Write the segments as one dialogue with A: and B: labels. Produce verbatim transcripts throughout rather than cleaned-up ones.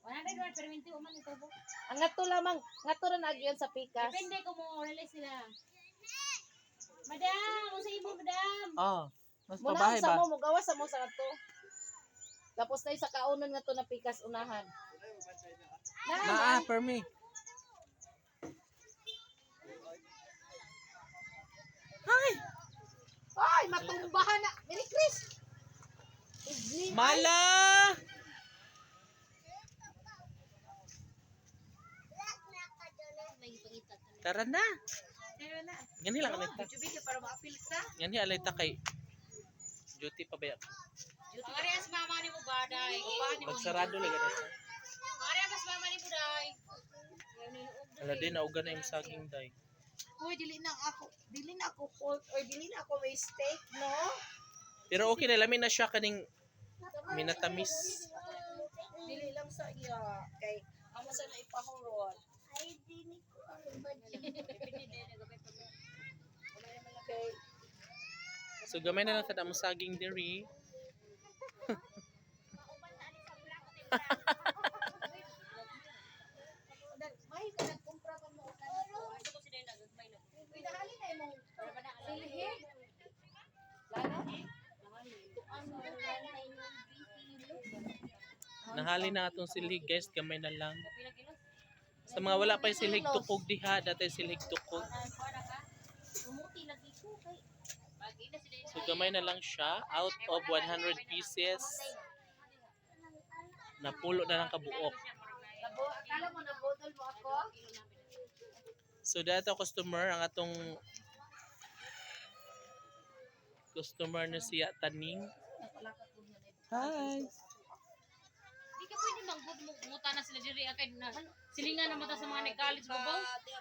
A: one hundred one perminti uman ito po.
B: Ang ngato lamang, ngato ra na agyan sa pikas.
A: Depende kung mo release sila. Madam, mo sa imo, madam.
C: Oh, mas
B: Muna
C: pabahay
B: sa
C: ba?
B: mo, mugawas sa mo sa ngato. Tapos na sa kaunon nga to na pikas unahan.
C: Naa, per me.
B: Ay! Ay, matumbahan na. Merry Chris! Igli-
C: Mala!
A: May pangita.
C: Tara na.
B: Tara na.
C: Gani lang alita.
B: Jubi ka para ma-appeal ka.
C: Gani alita kay duty pa ba?
A: Ang arias mama ni mo ba, day? Upahan ni mo.
C: Magsarado lang ganito.
A: Ang arias mama ni mo, day.
C: Ala din nauga na yung saging day.
B: Uy, dili na ako, dili na ako fault or dili na ako may steak, no?
C: Pero okay na lamin na siya kaning minatamis.
B: Dili lang sa iya. Kay, amo sa na ipahurot. Ay, dili ko ang kay,
C: So gamay na lang sa damo saging diri.
B: may ka nagkumpra ka mo. Uy, dahali na imong silhig. Lalo?
C: Nahali na atong silig guys, gamay na lang. Sa mga wala pa yung silig tukog diha, dati silig tukog.
A: Umuti lagi ko kay.
C: So gamay na lang siya, out of one hundred pieces. Napulo na lang kabuok.
B: Nabo, akala mo nabodol mo ako?
C: So dato customer ang atong customer na siya Taning. Hi.
A: Di ka pwede manggod mo muta na sila diri kay na silingan na mata sa mga nag-college babaw.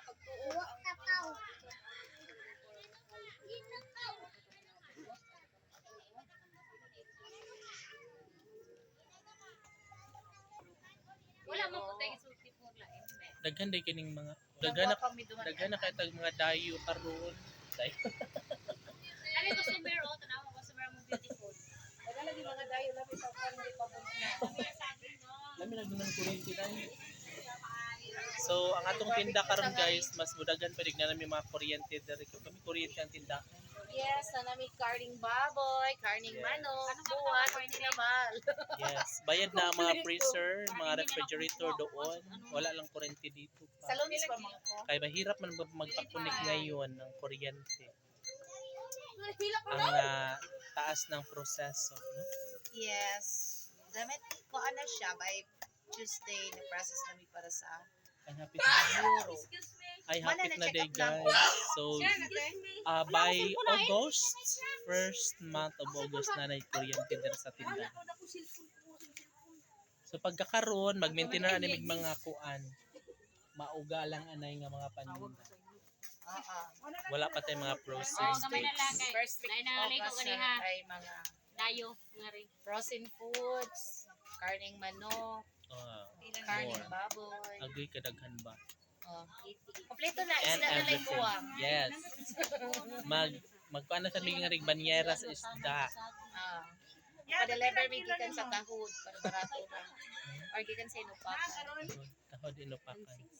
A: Wala mo ko tayo sulti po lain.
C: Daghan day kining mga daghan na daghan na kay tag mga dayo karon. Day.
A: Ano yung customer o tanawa ko customer mo beautiful.
B: Wala lagi mga dayo labi sa family pa mo.
C: Lami na dunang kuryente day. So ang atong tinda karon guys, mas mudagan pa digna nami mga kuryente diri kami kuryente ang tinda.
B: Yes, na nami karning baboy, karning manok, buwan, tinamal.
C: Yes, bayad na ang mga freezer, mga refrigerator doon. Wala lang kuryente dito
B: Sa
C: pa.
B: lunes pa mga ko.
C: Kaya mahirap man magpakunik ngayon ng kuryente.
B: Hila pa
C: Ang ah, taas ng proseso. No?
B: Yes. Damit ko ano siya by Tuesday na process namin para sa
C: Ay, hapit na.
B: euro.
C: Ay,
B: Mana
C: hapit
B: na
C: na
B: check
C: day
B: up lang
C: guys. So,
B: Excuse
C: uh, by August, first month of August na na kuryente din sa tindahan. So, pagkakaroon, mag-maintain na nimig mga kuan. Mauga lang anay nga mga paninda.
B: Oo.
C: Wala pa tayong mga
A: Oh,
C: processed
A: gamay na lang
C: foods.
A: kay.
B: First week
A: Nay
B: of
A: nalay ko
B: August
A: gani
B: na
A: ha.
B: ay mga
A: Dayo nga rin.
B: frozen foods, karning manok,
C: Uh,
B: karning
C: more.
B: baboy.
C: Agoy kadaghan ba?
B: Oh. Kompleto na
C: And
B: isda na lang
C: everything.
B: buwang.
C: Yes. Mag magkuan na sa mga rig banyera sa isda.
B: Ah. Pa-deliver mi gikan sa Tahod para barato ra. Or gikan sa Inupakan.
C: Tahod inupakan.